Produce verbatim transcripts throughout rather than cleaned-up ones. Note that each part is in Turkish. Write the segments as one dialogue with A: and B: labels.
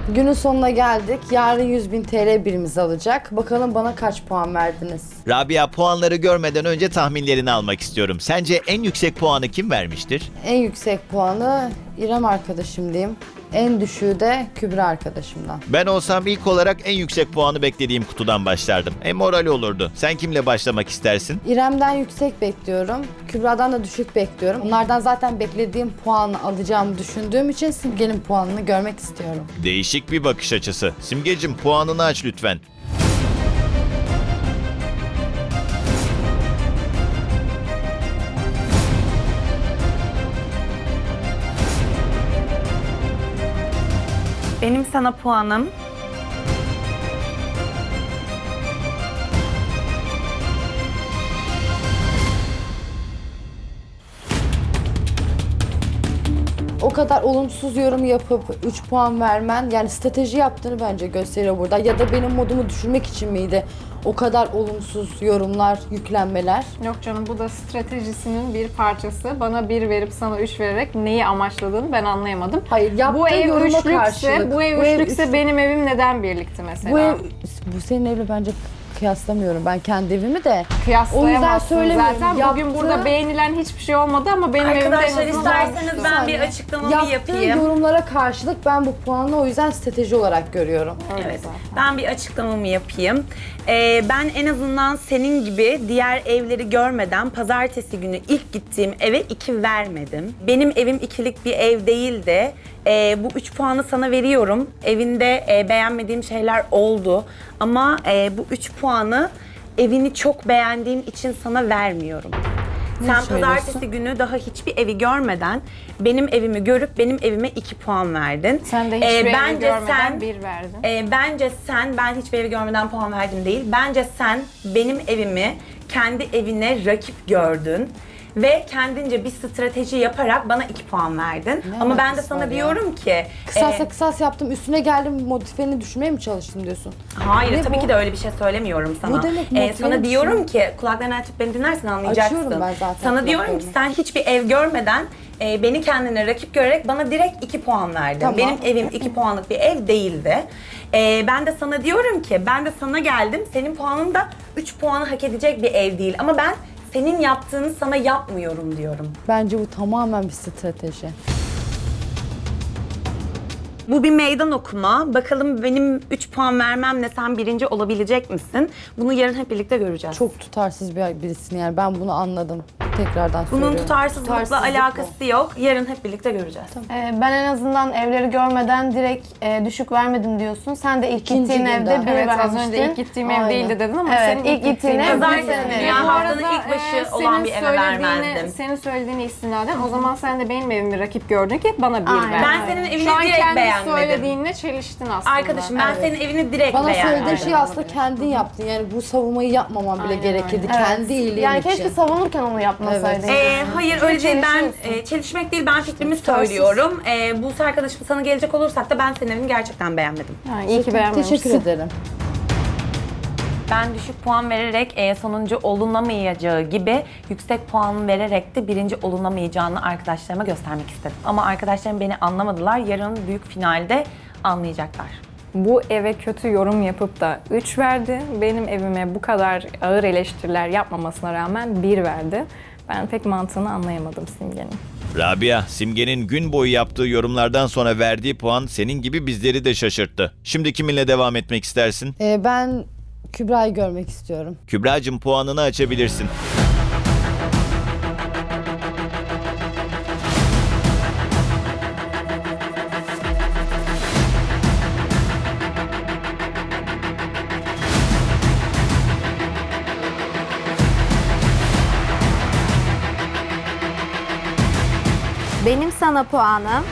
A: Günün sonuna geldik. Yarın yüz bin T L birimiz alacak. Bakalım bana kaç puan verdiniz?
B: Rabia, puanları görmeden önce tahminlerini almak istiyorum. Sence en yüksek puanı kim vermiştir?
A: En yüksek puanı İrem arkadaşım diyeyim. En düşüğü de Kübra arkadaşımdan.
B: Ben olsam ilk olarak en yüksek puanı beklediğim kutudan başlardım. En morali olurdu. Sen kimle başlamak istersin?
A: İrem'den yüksek bekliyorum. Kübra'dan da düşük bekliyorum. Onlardan zaten beklediğim puanı alacağımı düşündüğüm için Simge'nin puanını görmek istiyorum.
B: Değişik bir bakış açısı. Simgeciğim, puanını aç lütfen.
C: Benim sana puanım
A: O kadar olumsuz yorum yapıp üç puan vermen, yani strateji yaptığını bence gösteriyor burada. Ya da benim modumu düşürmek için miydi o kadar olumsuz yorumlar, yüklenmeler?
D: Yok canım, bu da stratejisinin bir parçası. Bana bir verip sana üç vererek neyi amaçladığını ben anlayamadım.
A: Hayır, yaptığı
D: Bu ev
A: yoruma
D: üçlükse,
A: karşılık.
D: bu ev
A: Bu ev
D: üçlükse
A: üç-
D: benim evim neden birlikte mesela?
A: Bu ev, bu senin evle bence kıyaslamıyorum ben kendi evimi de. O yüzden
D: Kıyaslayamazsın
A: söylemiyorum.
D: zaten. Bugün
A: Yaptığı-
D: burada beğenilen hiçbir şey olmadı ama benim evimde en
C: arkadaşlar
D: azından
C: isterseniz
D: olmuştu.
C: ben bir açıklamamı
A: Yaptığı
C: yapayım.
A: yorumlara karşılık ben bu puanı o yüzden strateji olarak görüyorum.
D: Öyle
C: Evet,
D: zaten.
C: ben bir açıklamamı yapayım. Ee, ben en azından senin gibi diğer evleri görmeden pazartesi günü ilk gittiğim eve iki vermedim. Benim evim ikilik bir ev değildi. Ee, bu üç puanı sana veriyorum. Evinde e, beğenmediğim şeyler oldu. Ama e, bu üç puanı evini çok beğendiğim için sana vermiyorum. Sen
A: söylüyorsun?
C: pazartesi günü daha hiçbir evi görmeden benim evimi görüp benim evime iki puan verdin.
D: Sen de hiçbir
C: Ee,
D: evi
C: bence
D: görmeden
C: sen-
D: bir verdin.
C: e, bence sen, ben hiçbir evi görmeden puan verdim değil. Bence sen benim evimi kendi evine rakip gördün. Ve kendince bir strateji yaparak bana iki puan verdin.
A: Ne
C: Ama ben de
A: alakası
C: sana
A: var ya?
C: diyorum ki...
A: Kısasa
C: e,
A: kısas yaptım, üstüne geldim, modifiyeni düşürmeye mi çalıştın diyorsun?
C: Hayır,
A: Ne
C: tabii
A: bu?
C: ki de öyle bir şey söylemiyorum sana.
A: Bu demek
C: Ee,
A: motive
C: sana
A: misin?
C: diyorum ki, kulaklarını açıp beni dinlersen anlayacaksın.
A: Açıyorum ben zaten
C: Sana diyorum ki
A: kulaklarımı.
C: sen hiçbir ev görmeden e, beni kendine rakip görerek bana direkt iki puan verdin.
A: Tamam.
C: Benim evim iki puanlık bir ev değildi. E, ben de sana diyorum ki, ben de sana geldim, senin puanın da üç puanı hak edecek bir ev değil. Ama ben senin yaptığını sana yapmıyorum diyorum.
A: Bence bu tamamen bir strateji.
C: Bu bir meydan okuma. Bakalım benim üç puan vermemle sen birinci olabilecek misin? Bunu yarın hep birlikte göreceğiz.
A: Çok tutarsız bir birisin yani, ben bunu anladım. Tekrardan
C: Bunun
A: söylüyorum.
C: tutarsızlıkla
A: Tutarsızlık
C: alakası yok. Yarın hep birlikte göreceğiz.
E: Ee, ben en azından evleri görmeden direkt e, düşük vermedim diyorsun. Sen de ilk
A: İkinci
E: gittiğin
A: günden.
E: evde bir
D: Evet, az
E: vermiştin.
D: önce ilk gittiğim ev
A: Aynen.
D: değildi dedin ama
E: Evet,
D: senin
E: ilk gittiğin ev
D: ev
C: Pazartesi
E: senin
C: günü
E: evin.
C: yani
D: Bu
C: haftanın
D: arada,
C: ilk başı
D: e,
C: olan
D: senin
C: bir eve
D: söylediğini-
C: vermezdim.
D: Senin söylediğini istinaden o zaman sen de benim evimi rakip gördün ki bana bir
E: Aynen.
D: ver.
C: Ben senin evini
D: Şu an
C: direkt
D: kendi
C: beğenmedim.
D: söylediğinle çeliştin aslında.
C: Arkadaşım ben senin evini direkt
A: Bana
C: beğenmedim.
A: söylediğin şeyi aslında kendin yaptın. Yani bu savunmayı yapmaman bile
D: Aynen
A: gerekirdi.
D: öyle.
A: Kendi iyiliğin
E: Yani
A: için.
E: keşke savunurken onu yapmasaydın.
C: Ee, hayır öyle değil. Ben
E: çelişiyorsun.
C: e, çelişmek değil, ben fikrimi
A: Tutarsız.
C: söylüyorum. Ee, Buse arkadaşım, sana gelecek olursak da ben senin evini gerçekten beğenmedim.
D: Yani iyi ki beğenmemişsin.
A: Teşekkür ederim.
C: Ben düşük puan vererek e, sonuncu olunamayacağı gibi yüksek puan vererek de birinci olunamayacağını arkadaşlarıma göstermek istedim. Ama arkadaşlarım beni anlamadılar. Yarın büyük finalde anlayacaklar.
D: Bu eve kötü yorum yapıp da üç verdi. Benim evime bu kadar ağır eleştiriler yapmamasına rağmen bir verdi. Ben pek mantığını anlayamadım Simge'nin.
B: Rabia, Simge'nin gün boyu yaptığı yorumlardan sonra verdiği puan senin gibi bizleri de şaşırttı. Şimdi kiminle devam etmek istersin?
A: Ee, ben Kübra'yı görmek istiyorum.
B: Kübra'cığım, puanını açabilirsin.
F: Benim sana puanım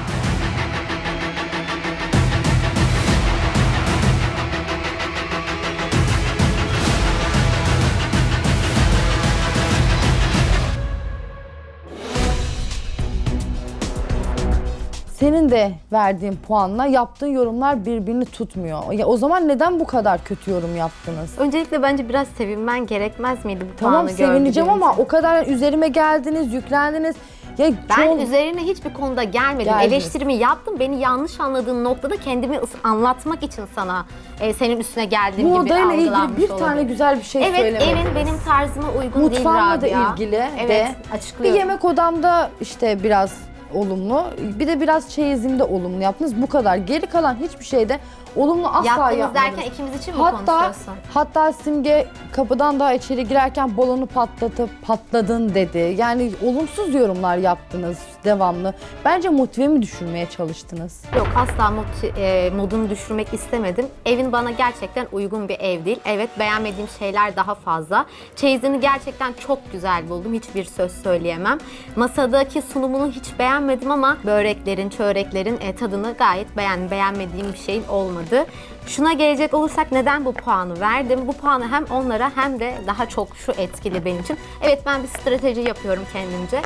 A: Senin de verdiğin puanla yaptığın yorumlar birbirini tutmuyor. Ya o zaman neden bu kadar kötü yorum yaptınız?
F: öncelikle bence biraz sevinmen gerekmez miydi bu
A: Tamam,
F: puanı
A: sevineceğim
F: gördüğün
A: ama
F: için?
A: o kadar üzerime geldiniz, yüklendiniz. Ya
F: Ben
A: çoğu-
F: üzerine hiçbir konuda gelmedim.
A: Geldiniz.
F: Eleştirimi yaptım. Beni yanlış anladığın noktada kendimi ıs- anlatmak için sana e, senin üstüne geldiğim
A: bu
F: gibi
A: odayla ilgili
F: algılanmış
A: bir
F: olabilir.
A: tane güzel bir şey
F: Evet,
A: söylemediniz.
F: evin benim tarzıma uygun değil
A: Mutfağımla da
F: Rabia.
A: ilgili
F: Evet,
A: de bir
F: açıklıyorum.
A: yemek odamda işte biraz olumlu, bir de biraz çeyizimde olumlu yaptınız. Bu kadar. Geri kalan hiçbir şeyde olumlu asla
F: Yaptığımız
A: yapmadınız.
F: derken ikimiz için mi
A: Hatta
F: konuşuyorsun?
A: hatta Simge kapıdan daha içeri girerken balonu patlatıp patladın dedi. Yani olumsuz yorumlar yaptınız devamlı. Bence motivemi düşürmeye çalıştınız.
F: Yok, asla mod, e, modunu düşürmek istemedim. Evin bana gerçekten uygun bir ev değil. Evet, beğenmediğim şeyler daha fazla. Çeyizini gerçekten çok güzel buldum. Hiçbir söz söyleyemem. Masadaki sunumunu hiç beğenmedim ama böreklerin, çöreklerin e, tadını gayet beğendim. Beğenmediğim bir şeyin olmadı. Şuna gelecek olursak neden bu puanı verdim? Bu puanı hem onlara hem de daha çok şu etkili benim için. Evet, ben bir strateji yapıyorum kendimce.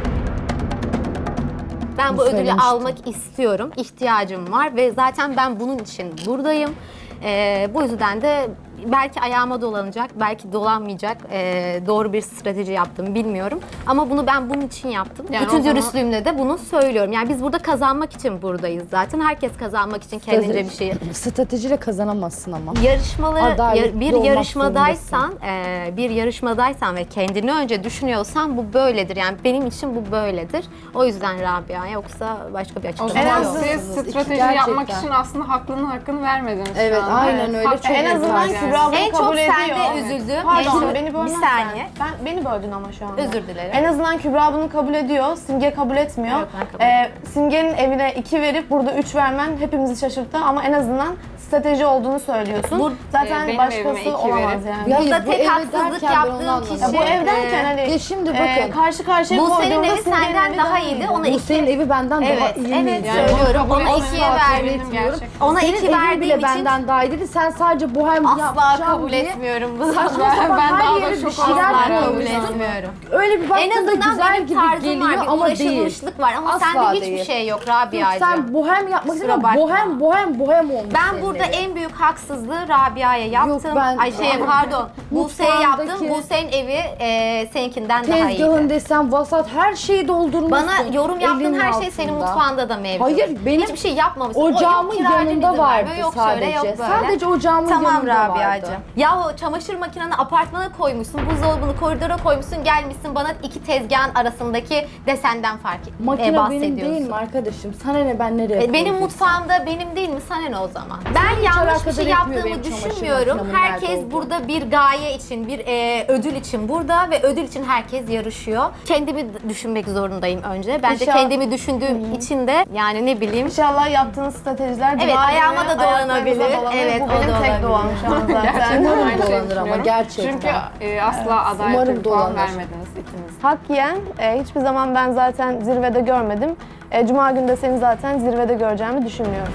F: Ben bu
A: Bunu
F: ödülü
A: söylemiştim.
F: almak istiyorum. İhtiyacım var ve zaten ben bunun için buradayım. Ee, bu yüzden de belki ayağıma dolanacak, belki dolanmayacak. Ee, doğru bir strateji yaptım bilmiyorum. Ama bunu ben bunun için yaptım.
D: Yani o
F: Bütün
D: zaman-
F: dürüstlüğümle de bunu söylüyorum. Yani biz burada kazanmak için buradayız zaten. Herkes kazanmak için kendince bir şey.
A: Stratejiyle kazanamazsın ama.
F: Yarışmalı
A: Adaletli
F: yar- bir
A: olmak
F: yarışmadaysan, e, bir yarışmadaysan ve kendini önce düşünüyorsan bu böyledir. Yani benim için bu böyledir. O yüzden Rabia, yoksa başka bir
D: O
F: açıklama
D: zaman
F: yok.
D: siz
A: Haklısınız.
D: strateji
A: Gerçekten.
D: yapmak için aslında haklının hakkını vermediniz
A: Evet,
D: şu anda.
A: aynen öyle.
D: Hak-
A: Çok
E: En azından
A: güzel.
E: Kübra bunu
F: En çok
E: kabul ediyor.
F: sende üzüldüm. En
E: Pardon,
F: çok-
E: beni
F: bir
E: bölmezsen.
F: saniye.
E: Ben, beni böldün ama şu anda.
F: Özür dilerim.
E: En azından Kübra bunu kabul ediyor, Simge kabul etmiyor.
F: Evet, ben kabul
E: Ee, Simge'nin evine iki verip burada üç vermen hepimizi şaşırttı ama en azından strateji olduğunu söylüyorsun.
F: Bu-
E: Zaten
D: e, benim
E: başkası
D: evime iki
E: olamaz
D: verip-
E: yani.
A: Ya
F: Burada
A: Hayır, bu
F: tek
A: eve
F: haksızlık
A: derken ben onu
F: yaptığım
A: anlamadım.
F: kişi...
E: Ya bu ev derken
F: e,
E: hani
A: Ya şimdi
E: e,
A: bakın.
E: karşı karşıya
F: Bu senin
E: koyduğumda
F: evi
E: Simge'nin
F: senden
E: evi
F: daha
E: daha
F: iyiydi.
E: iyiydi.
F: Ona
A: Bu
F: iki...
A: senin evi benden
F: Evet,
A: daha iyi
F: evet
A: miydi?
D: Yani
F: söylüyorum.
D: bunu
F: Ona
D: kabul
F: ikiye
D: etmiyorum.
F: verdim.
D: Gerçekten.
F: Ona
A: Senin
F: iki
A: evin
F: verdiğim
A: bile
F: için
A: benden daha iyiydi. Sen sadece bohem
F: asla
A: yapacağım
F: kabul
A: diye
F: etmiyorum bu
A: saçma
F: zaten.
A: sapan
D: Ben
A: her
D: daha da
A: yere bir
D: şok
A: şeyler
D: oldum.
F: Asla kabul
A: koymuşsun.
F: etmiyorum.
A: Öyle bir
F: En
A: baktığında
F: azından
A: güzel
F: benim
A: gibi
F: tarzım
A: geliyor
F: var, bir
A: ama değil.
F: ulaşılmışlık var ama
A: Asla
F: sende hiçbir
A: değil.
F: şey yok
A: Yok,
F: Rabia'cığım.
A: sen bohem yapmak
F: Kusura
A: istiyorsun.
F: bakma.
A: Bohem, bohem, bohem olmuş
F: Ben
A: senin
F: burada
A: evin.
F: en büyük haksızlığı Rabia'ya yaptım.
A: ben-
F: Ay şey pardon. Buse'ye yaptım.
A: Mutfağındaki-
F: Buse'nin evi e, seninkinden daha
A: Tezgahın
F: iyiydi.
A: desen vasat her şeyi doldurmuşsun.
F: Bana yorum yaptığın
A: elinin
F: her şey senin
A: altında.
F: mutfağında da mevcut.
A: Hayır, benim
F: Hiçbir şey yapmamışsın.
A: ocağımın
F: O yok kiracı
A: yanında
F: izin
A: vardı
F: vermiyor, yok
A: sadece.
F: şöyle, yok böyle.
A: Sadece ocağımın
F: tamam,
A: yanında vardı.
F: Rabia'cığım. Yahu çamaşır makineni apartmana koymuşsun, buzdolabını koridora koymuşsun, gelmişsin bana iki tezgahın arasındaki desenden fark e,
A: Makine benim
F: bahsediyorsun.
A: değil mi arkadaşım? Sana ne, ben nereye
F: E, Benim
A: koyduysam.
F: mutfağımda benim değil mi? Sana ne o zaman? Ben
A: hiç
F: yanlış bir
A: alakadar
F: şey
A: etmiyor
F: yaptığımı
A: benim çamaşır
F: düşünmüyorum.
A: makinemin nerede
F: Herkes
A: olduğu.
F: burada bir gaye için, bir e, ödül için burada ve ödül için herkes yarışıyor. Kendimi düşünmek zorundayım önce. Ben de
E: İnşallah-
F: kendimi düşündüğüm için de yani ne bileyim.
E: İnşallah yaptığınız stratejiler
F: Evet,
E: cuma
F: ayağıma
E: günü
F: da dolanabilir.
E: ayaklarınıza dolanır.
F: Evet,
E: Bu
F: o
E: benim
F: da
E: tek
F: olabilir.
E: doğam şu an zaten.
D: Gerçekten
A: Umarım
D: aynı şeyi
A: dolanır ama
D: düşünüyorum.
A: gerçekten.
D: Çünkü e, asla adaletli
A: Umarım
D: bir puan
A: dolanır.
D: vermediniz ikiniz.
E: Hak yiyen e, hiçbir zaman ben zaten zirvede görmedim. E, Cuma günü de seni zaten zirvede göreceğimi düşünmüyorum.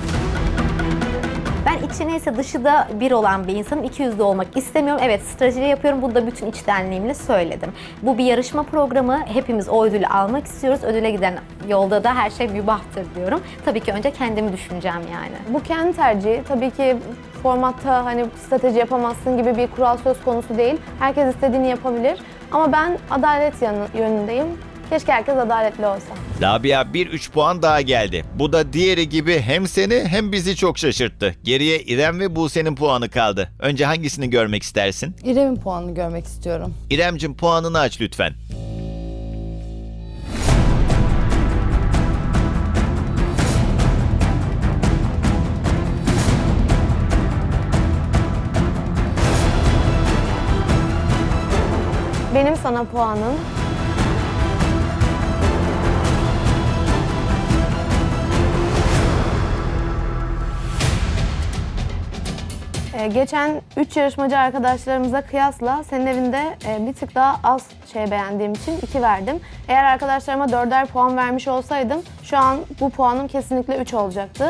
F: Ben içi neyse dışı da bir olan bir insanım. İki yüzlü olmak istemiyorum. Evet, strateji yapıyorum. Bunu da bütün içtenliğimle söyledim. Bu bir yarışma programı. Hepimiz o ödülü almak istiyoruz. Ödüle giden yolda da her şey mübahtır diyorum. Tabii ki önce kendimi düşüneceğim yani.
E: Bu kendi tercihi. Tabii ki formatta hani strateji yapamazsın gibi bir kural söz konusu değil. Herkes istediğini yapabilir. Ama ben adalet yanı, yönündeyim. Keşke herkes adaletli olsa.
B: Rabia bir üç puan daha geldi. Bu da diğeri gibi hem seni hem bizi çok şaşırttı. Geriye İrem ve Buse'nin puanı kaldı. Önce hangisini görmek istersin?
A: İrem'in puanını görmek istiyorum.
B: İremcim puanını aç lütfen.
E: Benim sana puanım Ee, geçen üç yarışmacı arkadaşlarımıza kıyasla senin evinde e, bir tık daha az şey beğendiğim için iki verdim. Eğer arkadaşlarıma dörder puan vermiş olsaydım şu an bu puanım kesinlikle üç olacaktı.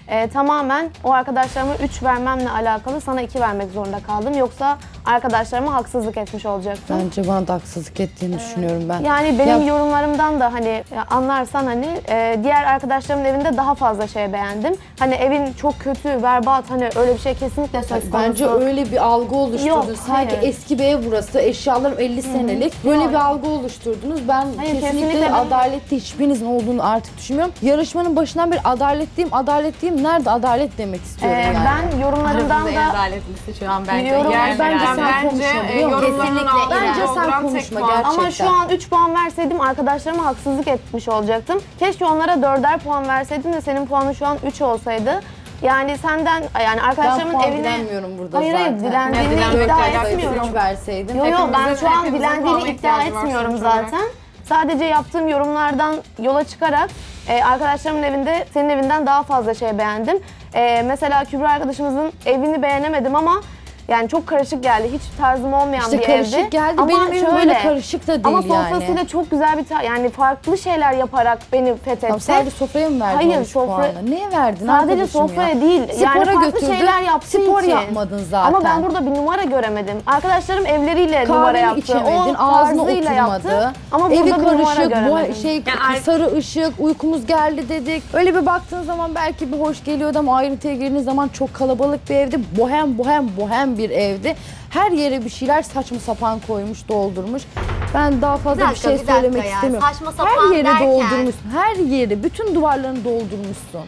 E: e, tamamen o arkadaşlarıma üç vermemle alakalı sana iki vermek zorunda kaldım. Yoksa arkadaşlarıma haksızlık etmiş olacaktım.
A: Bence bana da haksızlık ettiğini düşünüyorum ben.
E: Yani benim
A: Ya-
E: yorumlarımdan da hani anlarsan hani e, diğer arkadaşlarımın evinde daha fazla şey beğendim. Hani evin çok kötü, berbat hani öyle bir şey kesinlikle söz konusu.
A: Bence öyle bir algı oluşturdunuz.
E: Yok,
A: Sanki
E: hayır.
A: eski bir ev burası, eşyalarım elli senelik. Böyle
E: Yok.
A: bir algı oluşturdunuz. Ben
E: Hayır,
A: kesinlikle,
E: kesinlikle ben-
A: adaletli hiçbirinizin olduğunu artık düşünmüyorum. Yarışmanın başından beri adaletliyim, adaletliyim. Nerede adalet demek istiyorum
E: E,
A: yani.
E: ben yorumlarımdan
F: En
E: da
F: adaletlisi şu an bence.
E: Yorum-
F: Yani
A: bence
F: ben-
A: sen konuşma,
G: e,
A: biliyor musun?
G: yorumlarının
F: Kesinlikle
G: altında
A: Bence sen
G: dolduran tek
A: konuşma
G: puan.
A: gerçekten.
E: ama şu an üç puan verseydim arkadaşlarıma haksızlık etmiş olacaktım. Keşke onlara dörder puan verseydim de senin puanın şu an üç olsaydı. Yani senden yani
A: Ben
E: arkadaşlarımın
A: puan
E: evine...
A: dilenmiyorum burada
E: Hayır
A: zaten.
E: hayır dilendiğini
G: Ya, dilenmek
E: iddia
G: alakası
E: etmiyorum.
A: üç verseydim.
E: Yok yok ben
G: Hepimizin-
E: şu an
G: hepimizin
E: dilendiğini
G: puana
E: iddia
G: ihtiyacı var
E: etmiyorum
G: sonuç olarak.
E: zaten. Sadece yaptığım yorumlardan yola çıkarak e, arkadaşlarımın evinde senin evinden daha fazla şey beğendim. E, mesela Kübra arkadaşımızın evini beğenemedim ama yani çok karışık geldi. Hiç tarzım olmayan
A: İşte
E: bir
A: karışık
E: evdi.
A: geldi.
E: Ama
A: Benim evim
E: şöyle,
A: böyle karışık da değil
E: ama
A: yani.
E: sofrasıyla çok güzel bir ta- yani farklı şeyler yaparak beni fethetti.
A: Tamam, sadece sofraya mı verdin
E: Hayır,
A: on üç
E: sofra-
A: puanı? Neye verdin
E: Sadece
A: arkadaşım
E: sofraya
A: ya?
E: değil.
A: Spora
E: yani farklı
A: götürdün,
E: şeyler yaptığı
A: spor
E: için.
A: yapmadın zaten.
E: Ama ben burada bir numara göremedim. Arkadaşlarım evleriyle numara
A: Kahveni
E: yaptı.
A: içemedin,
E: O
A: ağzına
E: tarzıyla
A: oturmadı.
E: yaptı. Ama
A: Evi
E: burada bir numara
A: karışık,
E: göremedim.
A: bu şey
C: Yani-
A: sarı ışık, uykumuz geldi dedik. Öyle bir baktığın zaman belki bir hoş geliyordu ama ayrıntıya girdiğiniz zaman çok kalabalık bir evdi. Bohem bohem bohem bir evdi. Her yere bir şeyler saçma sapan koymuş, doldurmuş. Ben daha fazla
F: Bir
A: bir,
F: dakika,
A: şey
F: bir dakika
A: söylemek
F: ya.
A: istemiyorum.
F: Saçma sapan
A: her yeri
F: derken-
A: doldurmuşsun. Her yeri, bütün duvarlarını doldurmuşsun.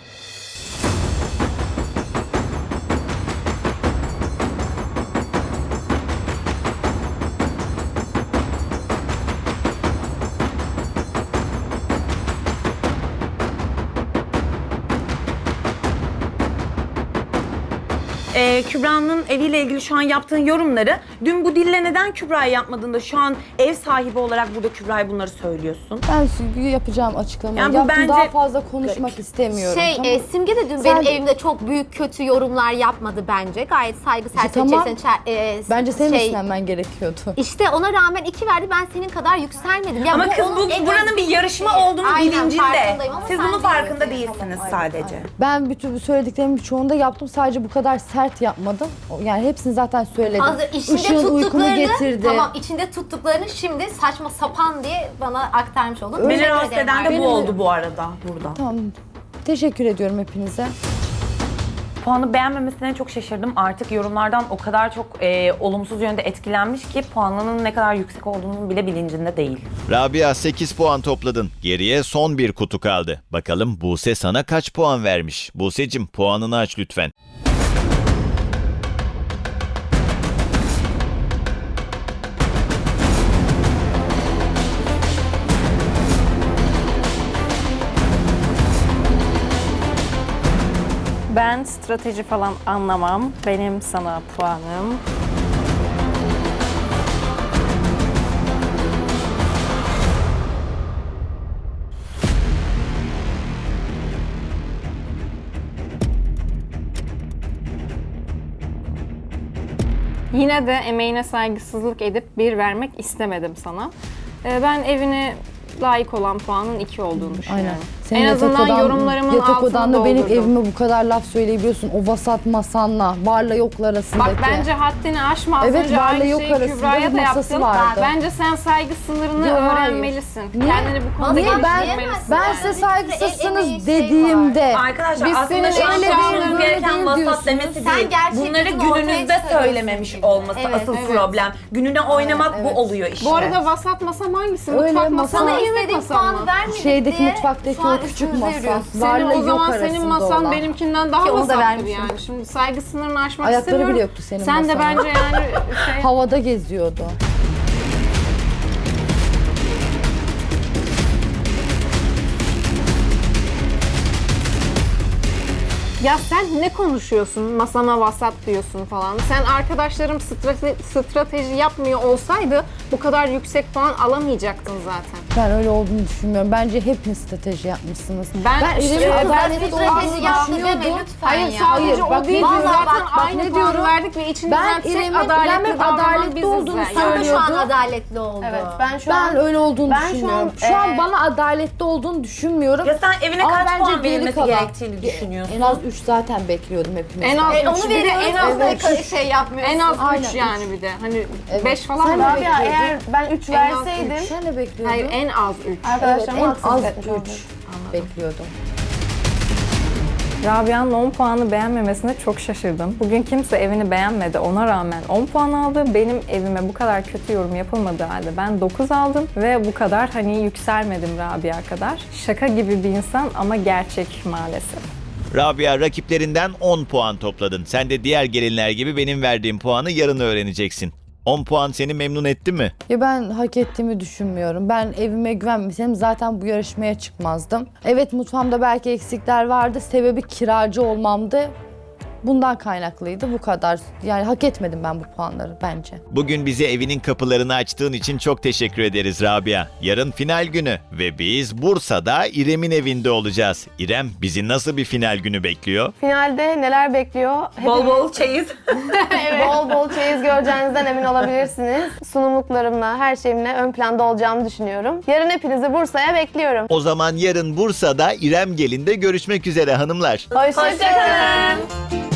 C: Ee, Kübra'nın eviyle ilgili şu an yaptığın yorumları dün bu dille neden Kübra'yı yapmadığında şu an ev sahibi olarak burada Kübra'ya bunları söylüyorsun?
A: Ben Simge'ye yapacağım açıklamayı
C: Yani bu
A: yaptım.
C: bence-
A: Daha fazla konuşmak istemiyorum.
F: Şey,
A: tamam
F: e,
A: mı?
F: Simge de dün
A: Sen-
F: benim evimde çok büyük kötü yorumlar yapmadı bence. Gayet saygı çerçevesi
A: tamam.
F: içerisinde çer- e,
A: Bence senin
F: şey,
A: üstlenmen gerekiyordu.
F: İşte ona rağmen iki verdi. Ben senin kadar yükselmedim. Ya
C: Ama kız
F: onun
C: bu
F: egosu
C: buranın bir yarışma
F: değil.
C: olduğunu
F: Aynen,
C: bilincinde.
F: farkındayım ama
C: Siz
F: sen
C: bunun farkında
F: değilsin.
C: değilsiniz
A: Aynen,
C: sadece.
A: aynen. Ben bütün bu söylediklerimin çoğunu da yaptım. Sadece bu kadar sert yapmadım. Yani hepsini zaten söyledim.
F: Hazır içinde
A: Işığın uykumu
F: tuttuklarını,
A: getirdi.
F: tamam içinde tuttuklarını şimdi saçma sapan diye bana aktarmış oldun.
C: Beni
F: Teşekkür
C: rahatsız
F: ederim
C: eden de bu
F: arkadaşlar.
C: oldu bu arada burada.
A: Tamam. Teşekkür ediyorum hepinize.
C: Puanı beğenmemesine çok şaşırdım. Artık yorumlardan o kadar çok e, olumsuz yönde etkilenmiş ki puanının ne kadar yüksek olduğunun bile bilincinde değil.
B: Rabia sekiz puan topladın. Geriye son bir kutu kaldı. Bakalım Buse sana kaç puan vermiş? Buse'cim puanını aç lütfen.
D: Ben strateji falan anlamam. Benim sana puanım. Yine de emeğine saygısızlık edip bir vermek istemedim sana. Ee, Ben evine layık olan puanın iki olduğunu düşünüyorum.
A: Aynen. Senin
D: en
A: yatak
D: azından
A: odan-
D: yorumlarımın
A: yatak
D: altını
A: odanda benim
D: doldurdum.
A: evime bu kadar laf söyleyebiliyorsun. O vasat masanla, varla yokla arasındaki.
D: Bak bence haddini aşma. Az
A: Evet,
D: önce
A: varla
D: aynı
A: yok
D: şeyi
A: arasında
D: Kübra'ya
A: bir
D: da
A: masası
D: yaptın.
A: vardı.
D: Bence sen saygı sınırını
A: Yok, hayır.
D: öğrenmelisin.
A: Niye?
D: Kendini bu konuda
A: Niye?
F: Ama
A: Ben,
F: diyemezsin
A: ben
F: yani.
A: size
F: Bir sürü el emeği
A: saygısızsınız
F: şey
A: dediğimde
C: Arkadaşlar
D: Biz
C: aslında
D: senin
C: şu an
D: öyle
C: konuşmamız
D: değil,
C: gereken
A: değil
C: vasat
A: diyorsunuz.
C: demesi
F: Sen
C: değil.
F: gerçek
C: Bunları
F: yüzünü ortaya
C: gününüzde
F: çıkarıyorsun
C: söylememiş
F: çünkü.
C: olması
F: Evet,
C: asıl
F: evet.
C: problem. Gününe oynamak
A: evet.
C: bu oluyor işte.
D: Bu arada vasat masam hangisi?
A: Öyle,
D: Mutfak
A: masa-
D: masam
F: Sana
D: mı, yemek
F: istediğin
D: masam mı?
F: puanı vermedik
A: şeydeki
F: diye
A: mutfaktaki
F: şu an
A: o küçük
F: üstümüze
A: masa.
F: yürüyorsun.
D: Senin
A: Varla
D: o
A: yok
D: zaman
A: arasında
D: senin masan
A: olan.
D: benimkinden daha
F: Ki onu da
D: vasattır
F: vermişsin.
D: yani. Şimdi saygı sınırını aşmak
A: Ayakları
D: istemiyorum.
A: bile yoktu senin
D: Sen de
A: masanın.
D: bence yani şey...
A: Havada geziyordu.
D: Ya sen ne konuşuyorsun? Masama vasat diyorsun falan. Sen arkadaşlarım strate- strateji yapmıyor olsaydı bu kadar yüksek puan alamayacaktın zaten.
A: Ben öyle olduğunu düşünmüyorum. Bence hepiniz strateji yapmışsınız.
G: Ben
A: İrem'in
G: işte-
A: adaletli
F: Strateji
A: olduğunu
F: yaptı deme
A: düşünüyordum.
F: lütfen
G: Hayır
F: ya.
G: sadece
A: Hayır,
G: o
A: bak
G: değil.
A: ne
G: Zaten
A: diyorum? Bak, bak
G: aynı
A: ne
G: puanı
A: diyorum?
G: verdik ve içini
A: Ben
G: düzeltsek
A: İrem'in
G: adaletli
A: İrem'in
G: davranan
A: adaletli
G: biziz
A: olduğunu
G: yani.
F: Sana da şu an
A: söylüyordu.
F: adaletli oldu.
E: Evet ben şu
A: Ben
E: an
A: öyle olduğunu
E: ben şu an,
A: düşünmüyorum. Şu an,
E: e,
A: bana adaletli olduğunu düşünmüyorum.
C: Ya sen evine
A: Ama
C: kaç
A: bence
C: puan
A: geri
C: verilmesi
A: kalan-
C: gerektiğini düşünüyorsun?
A: En az üç zaten bekliyordum hepinizden.
G: En az
F: E,
G: üç.
F: onu
G: Bir de
F: veriyoruz.
G: en az
F: Evet.
G: üç.
F: Şey yapmıyorsun.
G: En az
A: Aynen,
G: üç
A: üç.
G: yani bir de. Hani
A: Evet.
G: beş falan
A: Sen
G: mı?
A: de
E: Rabia
A: bekliyordun.
E: eğer ben üç
G: En az
E: verseydim
A: Sen ne bekliyordun?
G: Hayır en az üç.
A: Evet,
E: arkadaşlarıma
A: en
E: haksızlık
A: az
E: etmiş oldum.
A: üç bekliyordum.
D: Rabia'nın on puanı beğenmemesine çok şaşırdım. Bugün kimse evini beğenmedi. Ona rağmen on puan aldı. Benim evime bu kadar kötü yorum yapılmadığı halde ben dokuz aldım. Ve bu kadar hani yükselmedim Rabia kadar. Şaka gibi bir insan ama gerçek maalesef.
B: Rabia, rakiplerinden on puan topladın. Sen de diğer gelinler gibi benim verdiğim puanı yarın öğreneceksin. on puan seni memnun etti mi?
A: Ya ben hak ettiğimi düşünmüyorum. Ben evime güvenmesem zaten bu yarışmaya çıkmazdım. Evet, mutfağımda belki eksikler vardı. Sebebi kiracı olmamdı. Bundan kaynaklıydı, bu kadar. Yani hak etmedim ben bu puanları bence.
B: Bugün bize evinin kapılarını açtığın için çok teşekkür ederiz Rabia. Yarın final günü ve biz Bursa'da İrem'in evinde olacağız. İrem, bizi nasıl bir final günü bekliyor?
E: Finalde neler bekliyor?
C: Bol bol çeyiz.
E: Bol bol çeyiz göreceğinizden emin olabilirsiniz. Sunumluklarımla, her şeyimle ön planda olacağımı düşünüyorum. Yarın hepinizi Bursa'ya bekliyorum.
B: O zaman yarın Bursa'da İrem Gelin'de görüşmek üzere hanımlar.
E: Hoşçakalın.